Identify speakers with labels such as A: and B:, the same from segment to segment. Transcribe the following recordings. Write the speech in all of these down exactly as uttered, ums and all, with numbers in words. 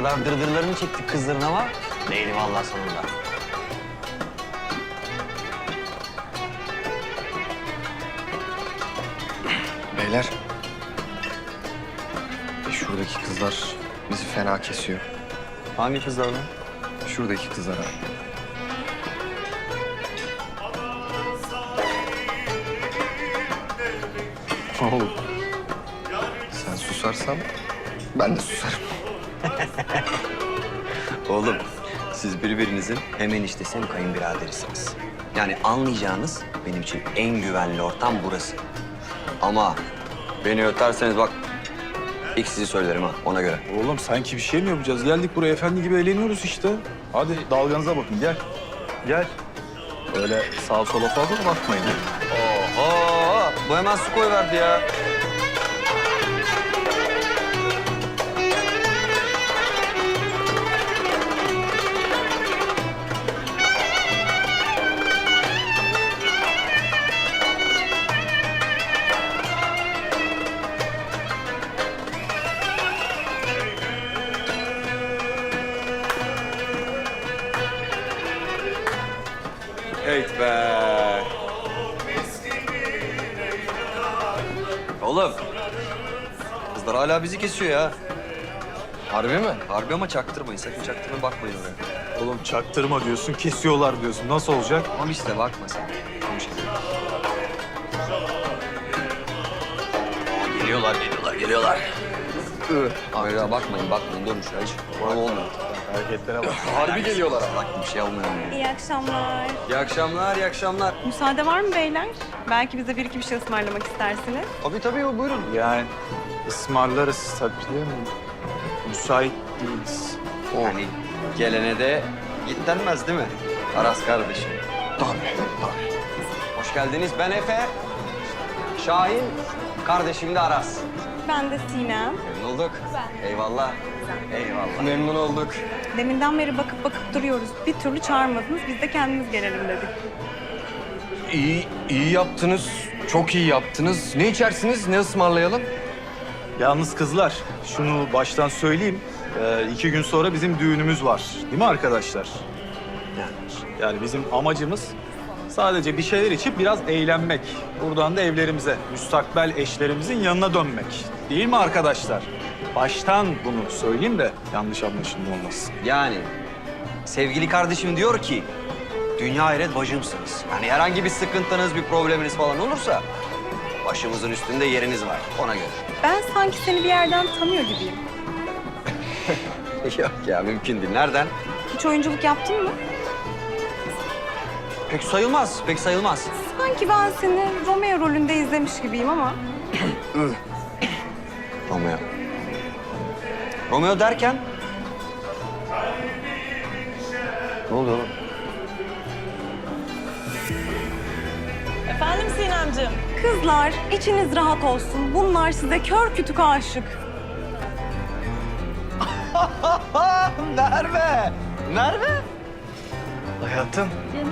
A: kadar dırdırlarını çektik kızların ama neydi vallahi sonunda.
B: Beyler. Şuradaki kızlar bizi fena kesiyor.
A: Hangi kızlar lan?
B: Şuradaki kızlar abi. Oğlum. Sen susarsan ben de susarım.
A: Oğlum siz birbirinizin hem eniştesi hem kayınbiraderisiniz. Yani anlayacağınız benim için en güvenli ortam burası. Ama beni öterseniz bak ilk sizi söylerim ha ona göre.
C: Oğlum sanki bir şey mi yapacağız? Geldik buraya efendi gibi eğleniyoruz işte. Hadi dalganıza bakın gel. Gel. Öyle sağa sola fazla da bakmayın.
A: Oho bu hemen su koyverdi ya. Evet be. Oğlum. Kızlar hala bizi kesiyor ya.
B: Harbi mi?
A: Harbi ama çaktırmayın. Sakın çaktırmayın bakmayın oraya.
C: Oğlum çaktırma diyorsun, kesiyorlar diyorsun. Nasıl olacak?
A: Tamam işte bakma sen. Konuş gidelim. Aa, geliyorlar, geliyorlar, geliyorlar. Hayır ya bakmayın, bakmayın. Durun şuraya hiç. Bana olmuyor.
C: Hareketlere bak.
B: Harbi geliyorlar ama.
A: Bak bir şey olmuyor.
D: İyi akşamlar.
A: İyi akşamlar, iyi akşamlar.
D: Müsaade var mı beyler? Belki bize bir iki bir şey ısmarlamak istersiniz.
A: Tabii tabii buyurun.
C: Yani ısmarlarız tabii değil mi? Müsait değiliz.
A: Yani gelene de git denmez değil mi? Aras kardeşim.
B: Tabii, tabii.
A: Hoş geldiniz. Ben Efe. Şahin. Kardeşim de Aras.
D: Ben de Sinem.
A: Memnun olduk. Eyvallah. Eyvallah.
B: Memnun olduk.
D: Deminden beri bakıp bakıp duruyoruz. Bir türlü çağırmadınız. Biz de kendimiz gelelim dedik.
B: İyi, iyi yaptınız. Çok iyi yaptınız. Ne içersiniz? Ne ısmarlayalım?
C: Yalnız kızlar, şunu baştan söyleyeyim. Ee, iki gün sonra bizim düğünümüz var. Değil mi arkadaşlar? Yani bizim amacımız sadece bir şeyler içip biraz eğlenmek. Buradan da evlerimize, müstakbel eşlerimizin yanına dönmek. Değil mi arkadaşlar? Baştan bunu söyleyeyim de yanlış anlaşılma olmasın.
A: Yani sevgili kardeşim diyor ki dünya hayret bacımsınız. Yani herhangi bir sıkıntınız, bir probleminiz falan olursa başımızın üstünde yeriniz var ona göre.
D: Ben sanki seni bir yerden tanıyor gibiyim.
A: Yok ya mümkün değil. Nereden?
D: Hiç oyunculuk yaptın mı?
A: Pek sayılmaz, pek sayılmaz.
D: Sanki ben seni Romeo rolünde izlemiş gibiyim ama.
A: Romeo. Romeo derken? Ne oluyor oğlum?
E: Efendim Sinemciğim?
D: Kızlar içiniz rahat olsun. Bunlar size kör kütük aşık.
A: Merve! Merve!
B: Hayatım.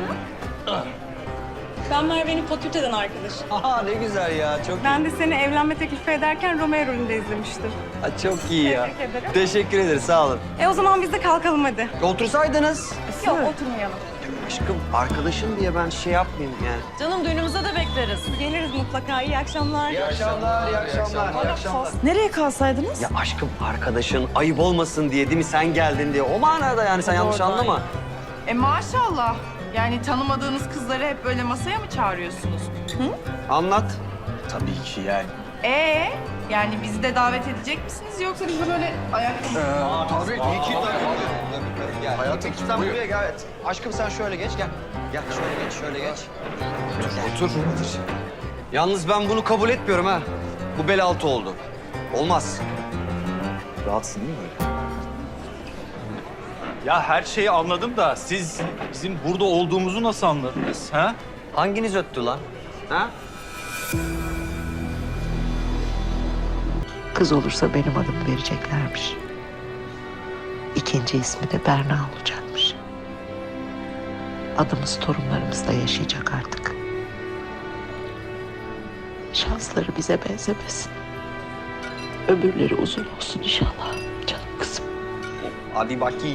E: Ben Merve'nin fakülteden arkadaşım.
A: Aa ne güzel ya, çok iyi.
D: Ben de seni evlenme teklifi ederken Romeo rolünde izlemiştim.
A: Ha, çok iyi ya.
D: Tebrik ederim.
A: Teşekkür ederiz, sağ olun.
D: E o zaman biz de kalkalım hadi.
A: Otursaydınız.
D: Yok oturmayalım.
A: Aşkım, arkadaşın diye ben şey yapmayayım yani.
E: Canım düğünümüze de bekleriz.
D: Geliriz mutlaka. İyi akşamlar.
A: İyi akşamlar, iyi akşamlar, iyi akşamlar.
E: Nereye kalsaydınız?
A: Ya aşkım, arkadaşın ayıp olmasın diye değil mi sen geldin diye. O manada yani sen yanlış
E: Doğru,
A: anlama.
F: E maşallah. Yani tanımadığınız kızları hep böyle masaya mı çağırıyorsunuz?
A: Anlat.
C: Tabii ki yani.
F: Ee, yani bizi de davet edecek misiniz yoksa biz de böyle ayakta
B: Tabii, iyi ki.
A: Gel.
B: Hayatım,
A: Peki, sen
B: buyur.
A: buraya gel. Evet. Aşkım sen şöyle geç, gel. Gel şöyle geç, şöyle geç.
B: Otur.
A: Yalnız ben bunu kabul etmiyorum ha. Bu bel altı oldu. Olmaz.
C: Rahatsın değil mi? Ya her şeyi anladım da siz bizim burada olduğumuzu nasıl anladınız? Ha?
A: Hanginiz öttü lan? Ha?
G: Kız olursa benim adımı vereceklermiş. İkinci ismi de Berna olacakmış. Adımız torunlarımızda yaşayacak artık. Şansları bize benzemesin. Ömürleri uzun olsun inşallah canım kızım.
A: Hadi bakayım.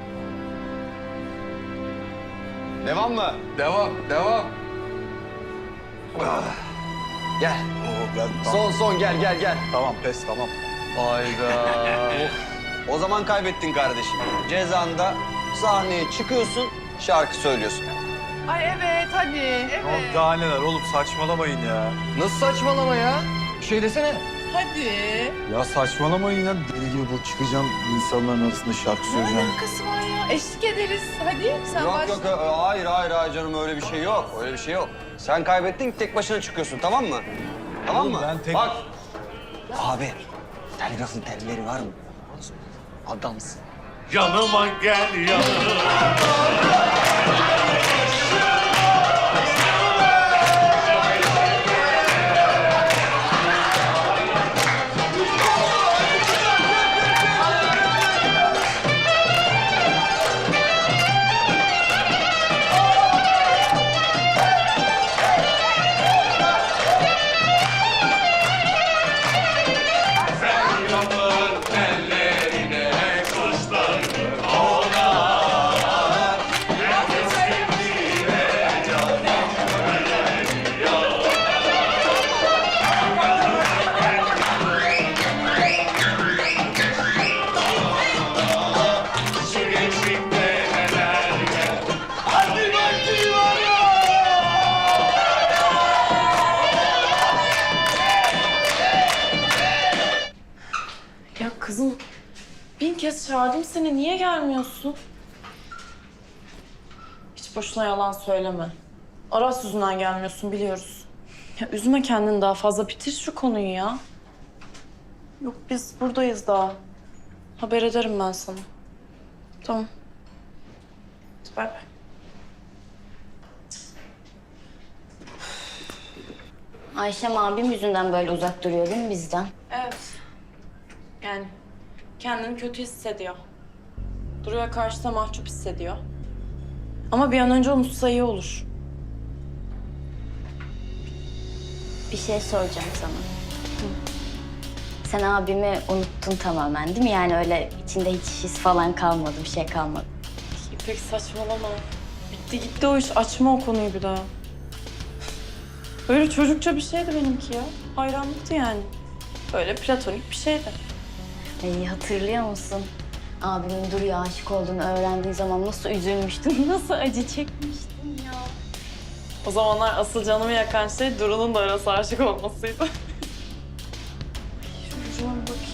A: Devam mı?
B: Devam, devam.
A: Gel.
C: Oo, ben,
A: Son son gel gel gel.
C: Tamam pes tamam.
A: Hayda. O zaman kaybettin kardeşim. Cezanda sahneye çıkıyorsun, şarkı söylüyorsun.
F: Ay evet hadi. Evet.
C: Yok daha neler oğlum saçmalamayın ya.
B: Nasıl saçmalama ya? Bir şey desene.
F: Hadi.
C: Ya saçmalamayın ya. Deli gibi bu çıkacağım insanların arasında şarkı
F: Ne
C: söyleyeceğim.
F: alakası var ya? Eşlik ederiz. Hadi sen
A: Yok
F: başla.
A: yok yok, hayır hayır hayır canım öyle bir şey yok. Öyle bir şey yok. Sen kaybettin, tek başına çıkıyorsun, tamam mı? Tamam
C: Oğlum
A: mı?
C: ben tek-
A: Bak. Abi, telgrafın telleri var mı? Adamsın.
H: Yanıma gel yanıma.
E: Ya kızım bin kez çağırdım seni. Niye gelmiyorsun? Hiç boşuna yalan söyleme. Aras yüzünden gelmiyorsun biliyoruz. Ya üzme kendini daha fazla. Bitir şu konuyu ya. Yok biz buradayız daha. Haber ederim ben sana. Tamam. Hadi bay bay.
I: Ayşem abim yüzünden böyle uzak duruyor değil mi bizden?
E: Evet. Yani kendini kötü hissediyor. Duru'ya karşı da mahcup hissediyor. Ama bir an önce unutsa iyi olur.
I: Bir şey soracağım sana. Sen abimi unuttun tamamen değil mi? Yani öyle içinde hiç his falan kalmadı, bir şey kalmadı.
E: İpek saçmalama. Bitti gitti o iş. Açma o konuyu bir daha. Böyle çocukça bir şeydi benimki ya. Hayranlıktı yani. Böyle platonik bir şeydi.
I: Ay, hatırlıyor musun? Abimin Duru'ya aşık olduğunu öğrendiği zaman nasıl üzülmüştüm, nasıl acı çekmiştim ya.
E: O zamanlar asıl canımı yakan şey Duru'nun da Aras'a aşık olmasıydı. Ay, şu ucuma bir bakayım.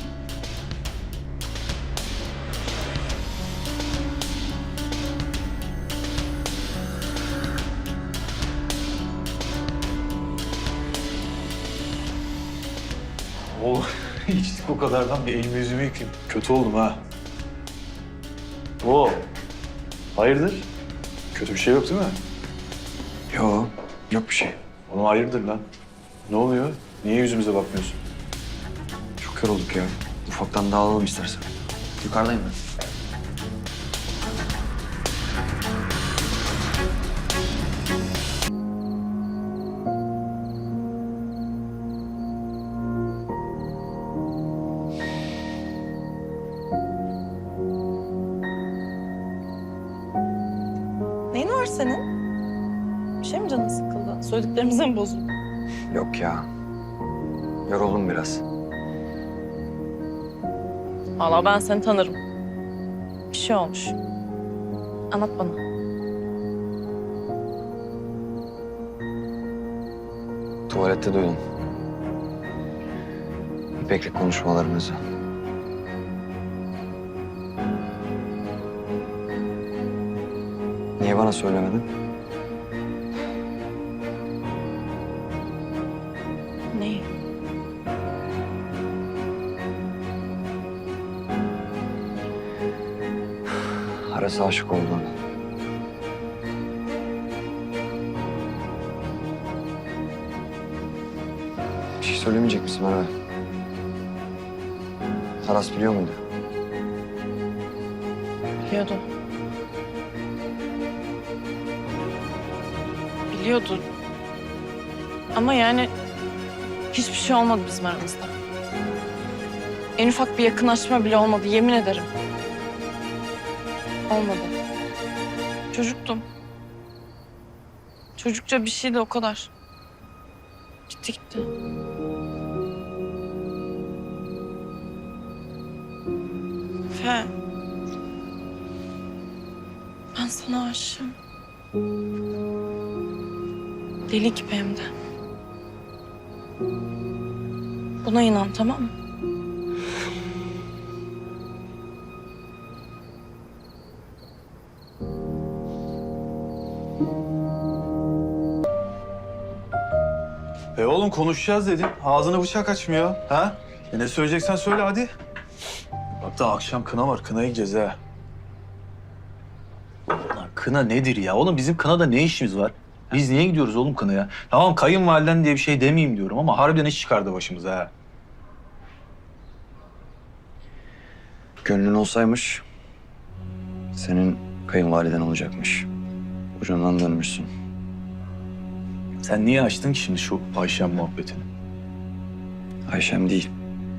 C: Oğlum içtik o kadardan bir elimi yüzümü yıkayayım. Kötü oldum ha. Oo. Hayırdır? Kötü bir şey yok değil mi?
A: Yok, yok bir şey.
C: Oğlum hayırdır lan? Ne oluyor? Niye yüzümüze bakmıyorsun?
A: Çok yorulduk ya. Ufaktan dağılalım istersen. Yukarıdayım ben.
E: Neyin var senin? Bir şey mi canın sıkıldı? Söylediklerimize mi bozuldun?
A: Yok ya. Yoruldum biraz.
E: Vallahi ben seni tanırım. Bir şey olmuş. Anlat bana.
A: Tuvalette duydum. İpek'le konuşmalarınızı. Niye bana söylemedin?
E: Neyi?
A: Aras'a aşık olduğunu. Bir şey söylemeyecek misin bana? Aras biliyor muydu?
E: Biliyordu. Biliyordu. Ama yani hiçbir şey olmadı bizim aramızda. En ufak bir yakınlaşma bile olmadı, yemin ederim. Olmadı. Çocuktum. Çocukça bir şeydi o kadar. Gitti gitti. Fe. Ben sana aşığım. Deli gibi hem de. Buna inan, tamam mı?
C: E oğlum konuşacağız dedin. Ağzına bıçak açmıyor. Ha? E ne söyleyeceksen söyle hadi. Bak da akşam kına var. Kınaya gideceğiz ha. Ulan kına nedir ya? Oğlum bizim kınada ne işimiz var? Biz niye gidiyoruz oğlum kınaya? Tamam kayınvaliden diye bir şey demeyeyim diyorum ama harbiden iş çıkardı başımıza ha.
A: Gönlün olsaymış, senin kayınvaliden olacakmış. Ucundan dönmüşsün.
C: Sen niye açtın ki şimdi şu Ayşem muhabbetini?
A: Ayşem değil.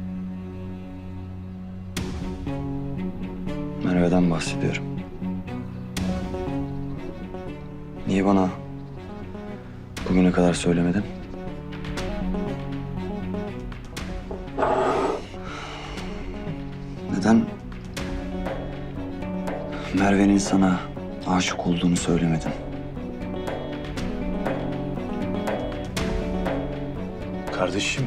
A: Merve'den bahsediyorum. Niye bana bugüne kadar söylemedin? Neden Merve'nin sana aşık olduğunu söylemedin?
C: Kardeşim,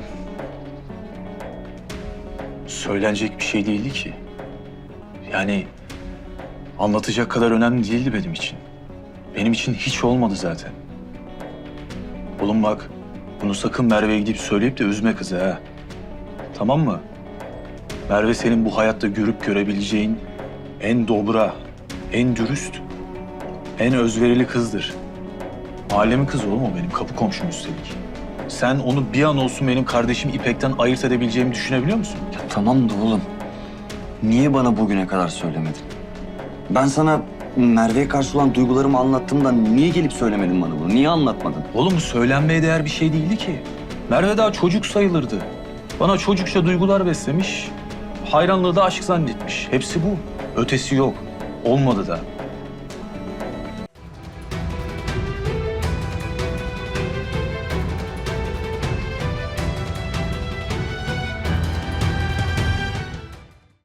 C: söylenecek bir şey değildi ki. Yani anlatacak kadar önemli değildi benim için. Benim için hiç olmadı zaten. Oğlum bak, bunu sakın Merve'ye gidip söyleyip de üzme kızı ha. Tamam mı? Merve senin bu hayatta görüp görebileceğin en dobra, en dürüst, en özverili kızdır. Mahallemin kızı oğlum o benim, kapı komşum üstelik. Sen onu bir an olsun benim kardeşim İpek'ten ayırt edebileceğimi düşünebiliyor musun?
A: Ya tamam da oğlum. Niye bana bugüne kadar söylemedin? Ben sana Merve'ye karşı olan duygularımı anlattığımda niye gelip söylemedin bana bunu? Niye anlatmadın?
C: Oğlum bu söylenmeye değer bir şey değildi ki. Merve daha çocuk sayılırdı. Bana çocukça duygular beslemiş, hayranlığı da aşk zannetmiş. Hepsi bu. Ötesi yok. Olmadı da.